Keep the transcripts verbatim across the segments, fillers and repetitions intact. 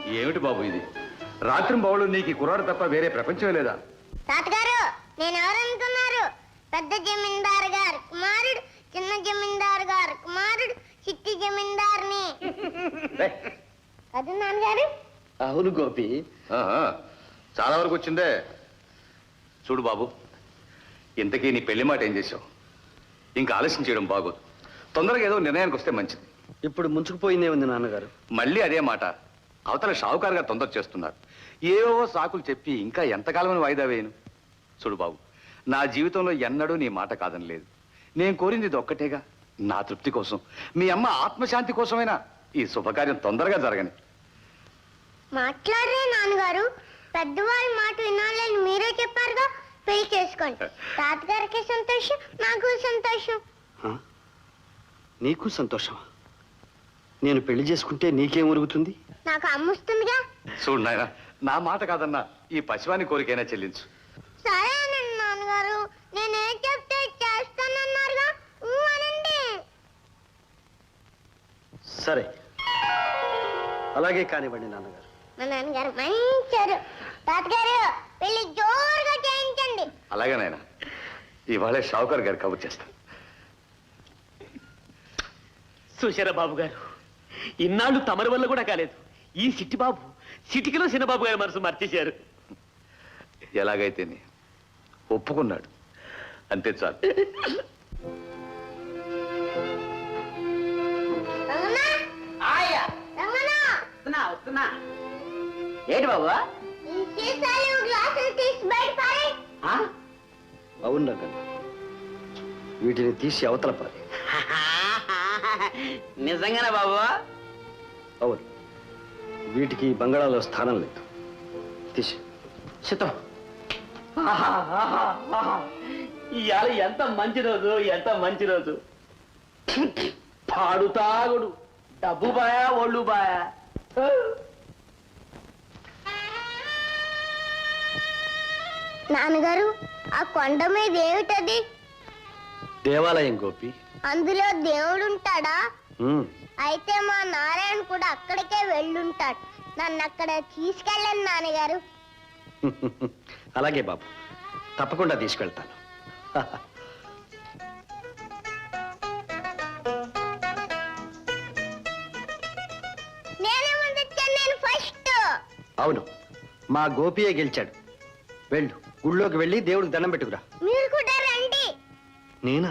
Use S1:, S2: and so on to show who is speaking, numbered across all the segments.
S1: ఏమిటి బాబు ఇది? రాత్రి బావులు నీకు కుర్రాడు తప్ప వేరే ప్రపంచమే లేదా?
S2: తాతగారు, నేను ఎవరనుకున్నారు? పెద్ద జమీందారు గారు కుమారుడు, చిన్న జమీందారు గారు కుమారుడు, చిట్టి జమీందారుని. అది నాన్నగారు.
S3: అవును గోపి,
S1: చాలా వరకు వచ్చిందే. చూడు బాబు, ఇంతకీ నీ పెళ్లి మాట ఏం చేసావు? ఇంకా ఆలస్యం చేయడం బాగోదు. తొందరగా ఏదో నిర్ణయానికి వస్తే మంచిది.
S3: ఇప్పుడు ముంచుకుపోయిందే ఉంది నాన్నగారు.
S1: మళ్ళీ అదే మాట. అవతల షావుకారుగా తొందర చేస్తున్నారు. ఏవో సాకులు చెప్పి ఇంకా ఎంతకాలమని వాయిదా వేయను? చూడు బాబు, నా జీవితంలో ఎన్నడూ నీ మాట కాదని లేదు. నేను కోరింది ఇది ఒక్కటేగా, నా తృప్తి కోసం, మీ అమ్మ ఆత్మశాంతి కోసమైనా ఈ శుభకార్యం తొందరగా జరగని.
S2: మాట్లాడరే నాన్నగారు, పెద్దవారి మాట వినాలని మీరే చెప్పారుగా. పెళ్లి చేసుకోండి. తాతగారికి సంతోషం, నాకు సంతోషం.
S3: నీకు సంతోషమా? నేను పెళ్లి చేసుకుంటే నీకేం ఉరుగుతుంది?
S2: నాకు అమ్ముస్తుందిగా.
S1: చూడు నాయన, నా మాట కాదన్నా ఈ పశువాని కోరికైనా చెల్లించు.
S2: సరేనండి నాన్నగారు, నేనేం చెప్తే చేస్తానన్నారుగా, అనండి.
S3: సరే, అలాగే కానివ్వండి నాన్నగారు.
S2: మా నాన్నగారు మంచారు. తాతగారు, పెళ్లి జోరుగా చేయించండి.
S1: అలాగే నాయన, ఇవాళే షావుకారు గారు కబుర్ చేస్తాను.
S4: సుశర బాబు గారు, ఇన్నాళ్ళు తమరి వల్ల కూడా కాలేదు. ఈ సిట్టి బాబు సిటికిలో చిన్నబాబు గారి మనసు మర్చేశారు.
S1: ఎలాగైతే ఒప్పుకున్నాడు, అంతే చాలు.
S4: ఏంటి బాబు?
S3: అవును రంగన్న, వీటిని తీసి అవతల పాలి.
S4: నిజంగానే బాబు?
S3: అవును, వీటికి బంగాళాలో స్థానం లేదు. తీసి
S4: చిత్తం. ఇవాళ ఎంత మంచి రోజు, ఎంత మంచి రోజు. పాడు తాగుడు, డబ్బు బాయా, ఒళ్ళు బాయా.
S2: నాన్నగారు, ఆ కొండ మీద ఏమిటది?
S3: దేవాలయం గోపి.
S2: అందులో దేవుడు ఉంటాడా? అయితే మా నారాయణ కూడా అక్కడికే వెళ్ళుంటాడు. నన్ను అక్కడ తీసుకెళ్ళండి నాన్నగారు.
S3: అలాగే బాబు, తప్పకుండా తీసుకెళ్తాను.
S2: నేనే ముందు వచ్చాను, నేను ఫస్ట్.
S3: అవును, మా గోపియే గెలిచాడు. వెళ్ళు, గుళ్ళోకి వెళ్ళి దేవుడికి దండం పెట్టుకురా.
S2: మీరు కూడా రండి.
S3: నేనా?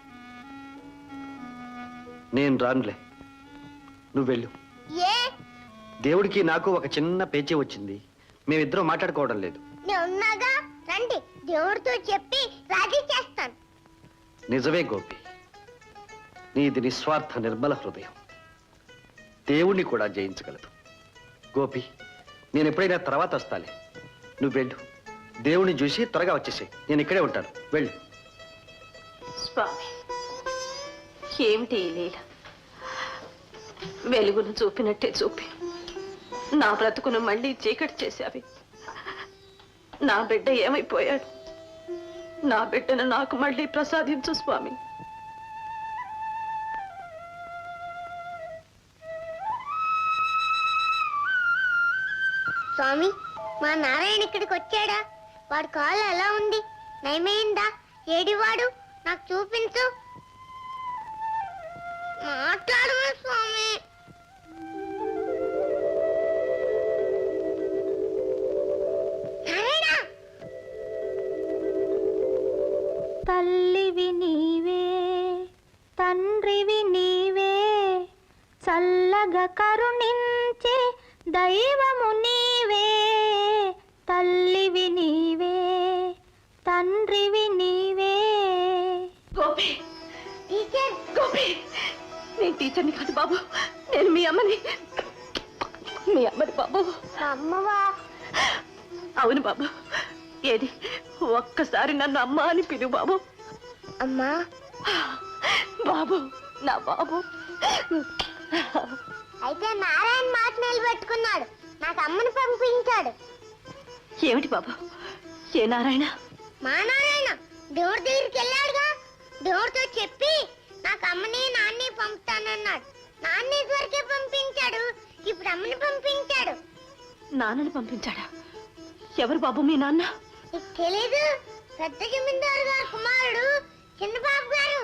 S3: నేను రానులే, నువ్వు వెళ్ళు.
S2: ఏ?
S3: దేవుడికి నాకు ఒక చిన్న పేచీ వచ్చింది. మేమిద్దరం మాట్లాడుకోవడం లేదు.
S2: నేనున్నాగా, రండి. దేవుడితో చెప్పి రాజీ చేస్తాను.
S3: నిజమే గోపి, నీది నిస్వార్థ నిర్మల హృదయం దేవుణ్ణి కూడా జయించగలదు. గోపి, నేను ఎప్పుడైనా తర్వాత వస్తాలే. నువ్వు వెళ్ళు, దేవుణ్ణి చూసి త్వరగా వచ్చేసాయి. నేను ఇక్కడే ఉంటాను, వెళ్ళు.
S5: స్వామి, ఏమిటి ఈ లీల? వెలుగును చూపినట్టే చూపి నా బ్రతుకును మళ్ళీ చీకటి చేశావి. నా బిడ్డ ఏమైపోయాడు? నా బిడ్డను నాకు మళ్ళీ ప్రసాదించు స్వామి.
S2: స్వామి, మా నారాయణ ఇక్కడికి వచ్చాడా? వాడు కాలు ఎలా ఉంది? నయమైందా? ఏడివాడు? నాకు చూపించు. మాట్లాడము స్వామి.
S6: తల్లివి నీవే, తండ్రివి నీవే, చల్లగా కరుణించే దైవము నీవే. తల్లివి నీవే, తండ్రివి నీవే.
S5: గోపి,
S2: టీచర్.
S5: గోపి, నేను టీచర్ని కాదు బాబు, నేను మీ అమ్మని. మీ అమ్మని బాబు.
S2: అమ్మవా?
S5: అవును బాబు. ఏది, ఒక్కసారి నన్ను అమ్మ అని పిలువు బాబు.
S2: అమ్మా.
S5: బాబు, నా బాబు.
S2: అయితే నారాయణ మాట నిలబెట్టుకున్నాడు, నాకు అమ్మని పంపించాడు.
S5: ఏమిటి బాబు? ఏ నారాయణ?
S2: మా నారాయణ దేవుడి దగ్గరికి వెళ్ళాడుగా. దేవుడితో చెప్పి నాకు అమ్మని నాన్ని పంపుతానన్నాడు. నాన్న వరకే పంపించాడు, ఇప్పుడు అమ్మని పంపించాడు.
S5: నాన్నని పంపించాడా? ఎవరు బాబు మీ నాన్న?
S2: నీకు తెలీదు? పెద్ద జమీందారు గారు కుమారుడు చిన్నబాబు గారు.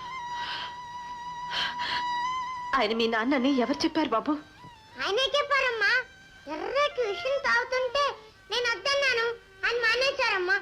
S5: ఆయన మీ నాన్నని ఎవరు చెప్పారు బాబు?
S2: ఆయనే చెప్పారమ్మా. ఎర్రటి విషయం తాగుతుంటే నేను వద్దన్నాను, ఆయన మానేశారమ్మా.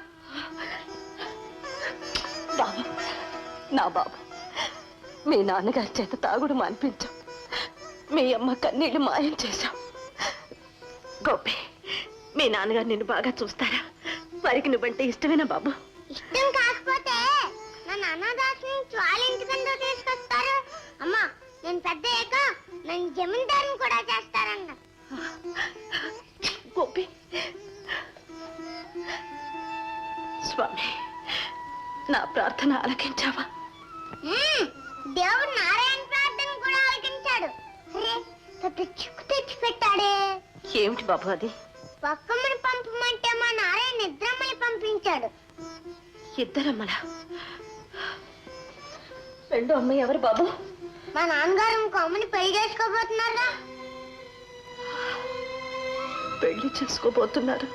S5: బాబు, నా బాబు, మీ నాన్నగారి చేత తాగుడు మానిపించాం, మీ అమ్మ కన్నీళ్లు మాయం చేశాం. గోపి, మీ నాన్నగారు నిన్ను బాగా చూస్తారా? వారికి నువ్వంటే ఇష్టమేనా బాబు?
S2: ఇష్టం కాకపోతే నన్ను అనాథాశ్రమం నుంచి వాళ్ళ ఇంటికంటూ తీసుకొస్తారు. అమ్మా, నేను పెద్ద అయ్యాక నన్ను జమీందారుని కూడా చేస్తారన్న.
S5: గోపి, స్వామి, నా ప్రార్థన ఆలకించావా?
S2: ఉమ్, దేవుడు నారాయణ ప్రార్థన కూడా ఆలకించాడు. అరే, పెద్ద చిక్కు తెచ్చి పెట్టాడే.
S5: ఏమిటి బాబు అది?
S2: పక్కమ్మని పంపమంటే మా నారాయణ నిద్రమ్మని పంపించాడు.
S5: ఇద్దరమ్మల. రెండో అమ్మాయి ఎవరు బాబు?
S2: మా నాన్నగారు ఇంకో అమ్మని పెళ్లి చేసుకోబోతున్నారా?
S5: పెళ్లి చేసుకోబోతున్నారు.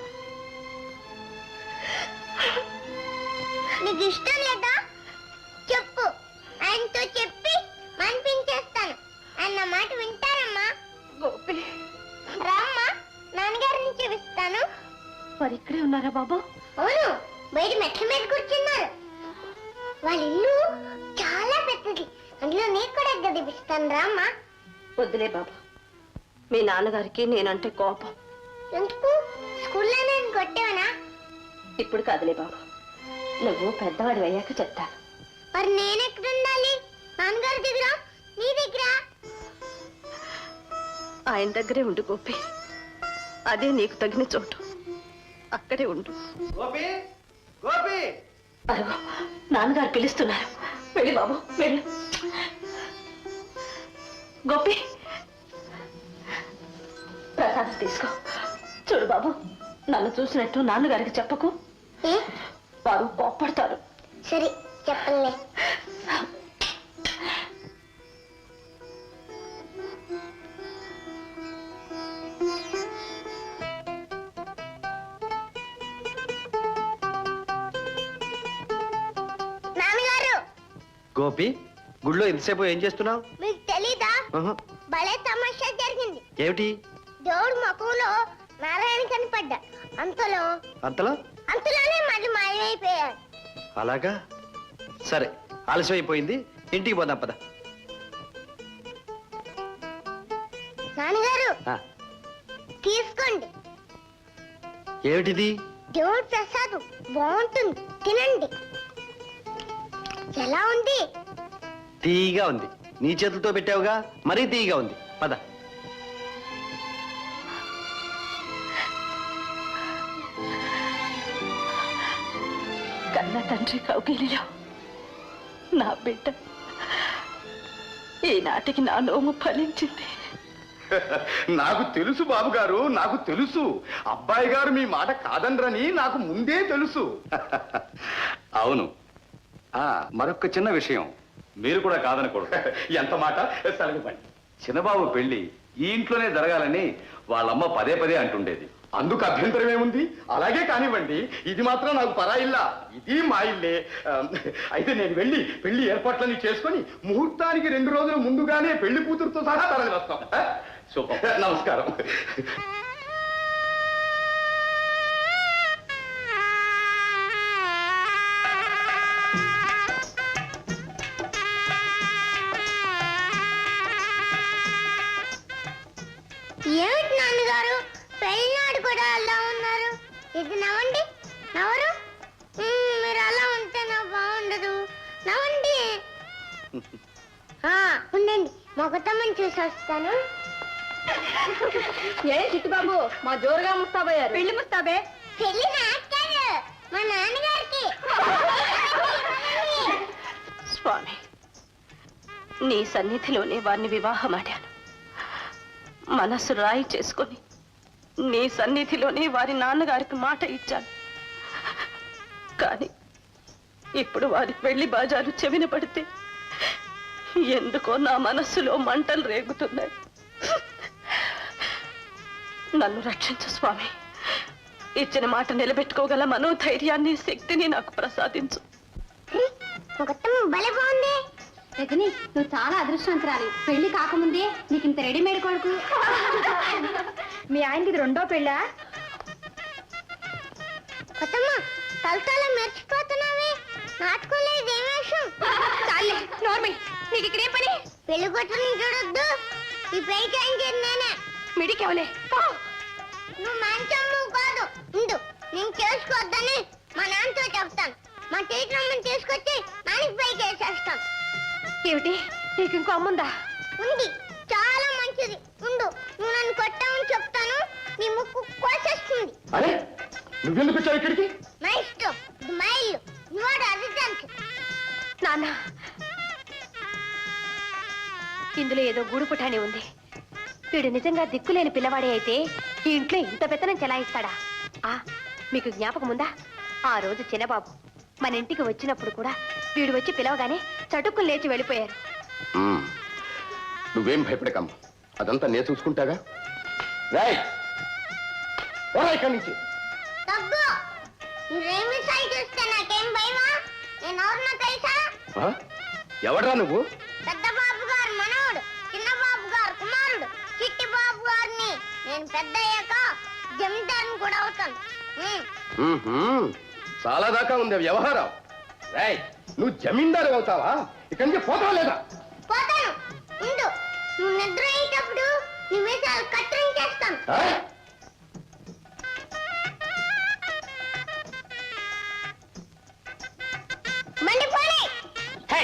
S2: నీకు ఇష్టం లేదా చెప్పు, ఆయనతో చెప్పి మనిపించేస్తాను. అన్న మాట వింటారమ్మా?
S5: గోపి,
S2: రామ్మా, నాన్నగారిని చూపిస్తాను.
S5: మరి ఇక్కడే ఉన్నారా బాబు?
S2: అవును, బయట మెట్ల మీద కూర్చున్నారు. వాళ్ళ ఇల్లు చాలా పెద్దది, అందులో నీకు కూడా గదిపిస్తాను. రామ్మా.
S5: వద్దులే బాబు, మీ నాన్నగారికి నేనంటే కోపం.
S2: ఎందుకు? స్కూల్లో నేను కొట్టేవనా?
S5: ఇప్పుడు కాదులే బాబు, నువ్వు పెద్దవాడి అయ్యాక చెప్తాను.
S2: మరి నేను ఎక్కడ ఉండాలి? నాన్నగారి దగ్గర, నీ దగ్గర?
S5: ఆయన దగ్గరే ఉండు గోపి, అదే నీకు తగిన చోటు. అక్కడే ఉండు.
S3: గోపి, గోపి,
S5: అరుగు, నాన్నగారు పిలుస్తున్నారు. వెళ్ళి బాబు, వెళ్ళు. గోపి, ప్రసాదం తీసుకో. చూడు బాబు, నన్ను చూసినట్టు నాన్నగారికి చెప్పకు,
S2: ఏ?
S5: వారు కోప్పడతారు.
S2: సరే, చెప్పలే. నాన్నగారు,
S3: గోపి, గుళ్ళో ఎంతసేపు ఏం చేస్తున్నావు?
S2: మీకు తెలీదా?
S3: ఆహా.
S2: భలే తమాషా జరిగింది.
S3: ఏమిటి?
S2: దేవుడు ముఖంలో నారాయణ కనపడ్డా. అంతలో
S3: అంతలో
S2: అంతలోనే మళ్ళీ మాయమైపోయాడు.
S3: అలాగా? సరే, ఆలస్యం అయిపోయింది, ఇంటికి పోదాం పద.
S2: నాన్నగారు,
S3: ఆ,
S2: తీసుకోండి.
S3: ఏమిటిది?
S2: దేవుడి ప్రసాదం బాగుంటుంది, తినండి. ఎలా ఉంది?
S3: తీయగా ఉంది. నీ చేతులతో పెట్టావుగా, మరీ తీయగా ఉంది. పద.
S5: కన్న తండ్రి కౌగిలిలో నా బిడ్డ ఈనాటికి నా నోము ఫలించింది.
S1: నాకు తెలుసు బాబు గారు, నాకు తెలుసు. అబ్బాయి గారు మీ మాట కాదనరని నాకు ముందే తెలుసు. అవును. ఆ మరొక చిన్న విషయం, మీరు కూడా కాదనకూడదు. ఎంత మాట సలగండి. చిన్నబాబు పెళ్లి ఈ ఇంట్లోనే జరగాలని వాళ్ళమ్మ పదే పదే అంటుండేది. అందుకు అభ్యంతరం ఏముంది? అలాగే కానివ్వండి. ఇది మాత్రం నాకు పరా ఇల్లా, ఇది మా ఇల్లే. ఆ, అయితే నేను వెళ్ళి పెళ్లి ఏర్పాట్లన్నీ చేసుకొని ముహూర్తానికి రెండు రోజులు ముందుగానే పెళ్లి కూతురుతో సహా తరలి వస్తాం. సూపర్, నమస్కారం.
S2: ఏమిటి నాన్నగారు, పెళ్ళినాడు కూడా అలా ఉన్నారు? ఇది నవ్వండి, నవరు. మ్మ్, మీరు అలా ఉంటే నాకు బాగుండదు. నవ్వండి. ఆ, ఉండండి, మొగతమ్మని చూసి వస్తాను.
S5: ఏ చిట్టుబాబు, మా జోరుగా ముస్తాబయ్యారు. పెళ్లి ముస్తాబే?
S2: పెళ్లి నాకు కాదు, మా నాన్నగారికి.
S5: స్వామి, నీ సన్నిధిలోనే వారిని వివాహమాడాను. మనసు రాయి చేసుకొని నీ సన్నిధిలోనే వారి నాన్నగారికి మాట ఇచ్చాను. కానీ ఇప్పుడు వారి పెళ్లి బాజాలు చెవిన పడితే ఎందుకో నా మనస్సులో మంటలు రేగుతున్నాయి. నన్ను రక్షించు స్వామి. ఇచ్చిన మాట నిలబెట్టుకోగల మనోధైర్యాన్ని, శక్తిని నాకు ప్రసాదించు.
S2: ఒకటం భలే బాగుంది.
S6: రజని, నువ్వు చాలా అదృష్టవంతురాలి. పెళ్లి కాకముందే నీకు ఇంత రెడీమేడ్ కొడుకు. మీ ఆయనకి ఇది రెండో పెళ్ళా?
S2: కొత్తమ్మ, తలతల మెరిచిపోతున్నావే. నాటుకోలే దేవేశం.
S6: చాలే నోర్మి, నీకు ఇక్కడ ఏం పని?
S2: పెళ్లి కొట్టుని చూడొద్దు. ఈ పెళ్లి చేయించేది నేనే.
S6: మిడికెవలే
S2: నువ్వు మంచమ్ము కాదు. ఉండు, నేను చేసుకోవద్దని మా నాన్నతో చెప్తాను. మా టీచరమ్మని తీసుకొచ్చి నానికి పైకి వేసేస్తాం.
S6: ఏమిటి, నీకు ఇంకో అమ్ముందా?
S2: ఉంది, చాలా మంచిది. ఉండు, నువ్వు నన్ను కొట్టావని చెప్తాను. నీ ముక్కు కోసేస్తుంది.
S3: అరే నువ్వెందుకు వచ్చావు ఇక్కడికి?
S2: మా ఇష్టం, ఇది మా ఇల్లు. నువ్వు అధికానికి.
S6: నాన్న, ఇందులో ఏదో గూడు పుటాని ఉంది. వీడు నిజంగా దిక్కులేని పిల్లవాడే అయితే ఈ ఇంట్లో ఇంత పెత్తనం చెలాయిస్తాడా? ఆ మీకు జ్ఞాపకం ఉందా? ఆ రోజు చిన్నబాబు మన ఇంటికి వచ్చినప్పుడు కూడా వీడు వచ్చి పిలవగానే చటుక్కులు లేచి వెళ్ళిపోయారు.
S3: మ్మ్. నువ్వేం భయపడకమ్మా, అదంతా నేను చూసుకుంటాగా. రాయ్ పోరా ఇక్కడి నుంచి.
S2: తగ్గు. నువ్వేమి సై చూస్తే నాకేం భయమా? నేను ఎవరినో తెలుసా?
S3: ఆ? ఎవడ్రా నువ్వు?
S2: పెద్ద బాబు గారు మనవడు, చిన్న బాబు గారు కుమారుడు, చిట్టి బాబు గారిని. నేను పెద్ద అయ్యాక జమీందారుని కూడా అవుతాను. ఉమ్.
S3: మ్మ్హ్మ్. చాలా దాకా ఉంది వ్యవహారం. రాయ్ నువ్వు జమీందారు అవుతావా? ఇక్కడి నుంచి పోతావా లేదా?
S2: పోతాను. ఉండు, నువ్వు నిద్ర అయ్యేటప్పుడు నీ మీసాలు కత్తిరించేస్తాను.
S3: ఆ?
S2: మండిపోయి.
S4: హే!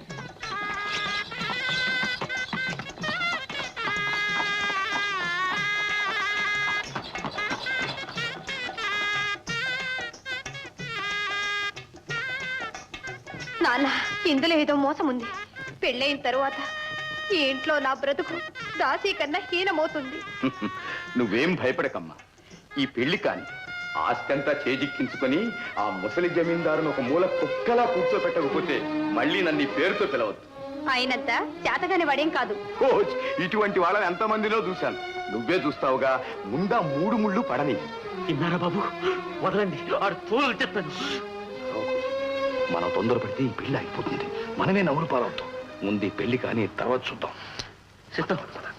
S6: నాన్న, ఇందులో ఏదో మోసం ఉంది. పెళ్ళైన తరువాత ఈ ఇంట్లో నా బ్రతుకు దాసీ కన్నా హీనమవుతుంది.
S1: నువ్వేం భయపడకమ్మా. ఈ పెళ్లి కాని ఆస్తంతా చేజిక్కించుకొని ఆ ముసలి జమీందారును ఒక మూల కుక్కలా కూర్చోపెట్టకపోతే మళ్ళీ నన్ను ఈ పేరుతో పిలవద్దు.
S6: అయినంత చేతగాని వాడేం కాదు.
S1: ఓ, ఇటువంటి వాళ్ళని ఎంతమందిలో చూశాను. నువ్వే చూస్తావుగా. ముందా మూడు ముళ్ళు పడని.
S4: విన్నారా బాబు? వదలండి, ఆడు తోలు చెప్తాను.
S1: మనం తొందరపడితే ఈ పెళ్లి అయిపోతుంది. మనమే నవ్వులు పాలవుతాం. ముందు ఈ పెళ్లి కానీ తర్వాత చూద్దాం.
S4: చెప్తాం.